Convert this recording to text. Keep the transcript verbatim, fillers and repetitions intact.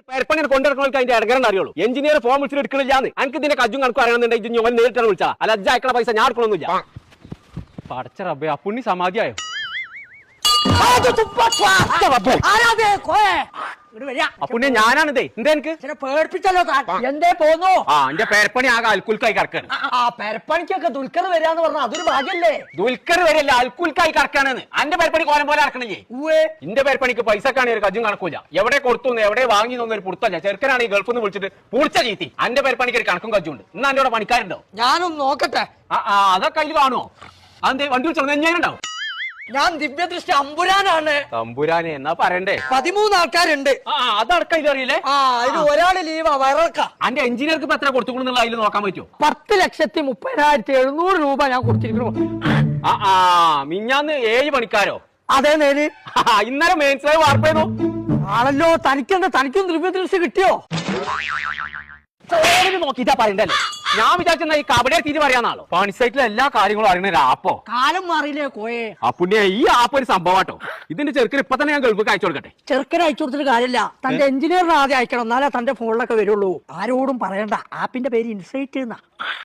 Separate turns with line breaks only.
പെരപ്പണി കൊണ്ടിറക്കണവർക്ക് അതിന്റെ ഇടകരണ്ട് അറിയുള്ളൂ. എഞ്ചിനീയർ ഫോം വിളിച്ചിട്ട് എടുക്കണില്ലാന്ന്. എനിക്ക് ഇതിന്റെ കജ്ജും കണക്കും അറിയണമെന്നുണ്ടെങ്കിൽ ഞാൻ നേരിട്ടാണ് വിളിച്ചാ. അല്ല അജ്ജ അയക്കണ പൈസ ഞാൻ എടുക്കണമെന്നില്ല. പടച്ച റബ്ബേ, ആ പുണ്ണി സമാധിയായോ? അപ്പുണ്യ ഞാനാണിതേ. എന്താ എനിക്ക്
പേടിപ്പിച്ചല്ലോ എന്തേ പോന്നു?
ആ എന്റെ പേരപ്പണി ആകെ അൽക്കുൽക്കായി കറക്കാണ്.
ആ പെരപ്പണിക്കൊക്കെ ദുൽഖർ വരാന്ന് പറഞ്ഞാൽ അതൊരു ഭാഗ്യല്ലേ?
ദുൽഖർ വരെയല്ല, അൽക്കുൽക്കായി കറക്കാണെന്ന്. അന്റെ പേരപ്പണി കോലം പോലെ ഇറക്കണില്ലേ? എന്റെ പേരപ്പണിക്ക് പൈസക്കാണ് ഒരു കജ്ജും കണക്കൂല. എവിടെ കൊടുത്തു എവിടെ വാങ്ങി ഒരു പുറത്തല്ല. ചെറുക്കനാണ് ഈ ഗൾഫിൽ നിന്ന് വിളിച്ചിട്ട് പൂളിച്ച ചീത്തി. അന്റെ പേരപ്പണിക്ക് ഒരു കണക്കും കജ്ജുണ്ട്. ഇന്ന് എന്റെ അവിടെ പണിക്കാരുണ്ടോ?
ഞാനൊന്ന് നോക്കട്ടെ.
ആ ആ അതൊക്കെ അതിൽ കാണുമോ? അതെന്തേ വണ്ടി വിളിച്ചോ? ഞാനുണ്ടാവും.
ഞാൻ ദിവ്യദൃഷ്ടി അമ്പുരാനാണ്.
തമ്പുരാനെ എന്നാ പറയണ്ടേ?
പതിമൂന്ന് ആൾക്കാരുണ്ട്.
ആ അതടക്കം ഇതറിയില്ലേ?
ആ അതിന് ഒരാള് ലീവാ വയറക്ക.
അന്റെ എഞ്ചിനീയർക്ക് ഇപ്പൊ എത്ര കൊടുത്തുകൊണ്ടെന്നുള്ള അതിൽ നോക്കാൻ പറ്റുമോ?
പത്ത് ലക്ഷത്തി മുപ്പതിനായിരത്തി എഴുന്നൂറ് രൂപ ഞാൻ കൊടുത്തിരിക്കുന്നു.
ആ ആ മിഞ്ഞാന്ന് ഏഴ് പണിക്കാരോ?
അതേ നേര്.
ഇന്നലെ മെയിൻസ് വാർപ്പ് ചെയ്തു
ആണല്ലോ. തനിക്കെന്താ, തനിക്കും ദിവ്യദൃഷ്ടി കിട്ടിയോ?
നോക്കിട്ടാ പറയണ്ടല്ലേ. ഞാൻ വിചാരിച്ചെന്നാ ഈ കബഡിയെ തീരെ പറയാന്നാളോ. പണി സൈറ്റിലെ എല്ലാ കാര്യങ്ങളും അറിയണ ഒരു ആപ്പോ.
കാലം മാറിയില്ലേ കോയെ?
അപ്പുണ്യ ഈ ആപ്പ് ഒരു സംഭവട്ടോ. ഇതിന്റെ ചെറുക്കന് ഇപ്പൊ തന്നെ ഞാൻ ഗൾഫിൽ അയച്ചു കൊടുക്കട്ടെ.
ചെറുക്കനെ അയച്ചു കൊടുത്തിട്ട് കാര്യമില്ല. തന്റെ എഞ്ചിനീയറിനെ ആദ്യം അയക്കണം, എന്നാലേ തന്റെ ഫോണിലൊക്കെ വരുള്ളൂ. ആരോടും പറയണ്ട. ആപ്പിന്റെ പേര് ഇൻസൈറ്റ് എന്നാ.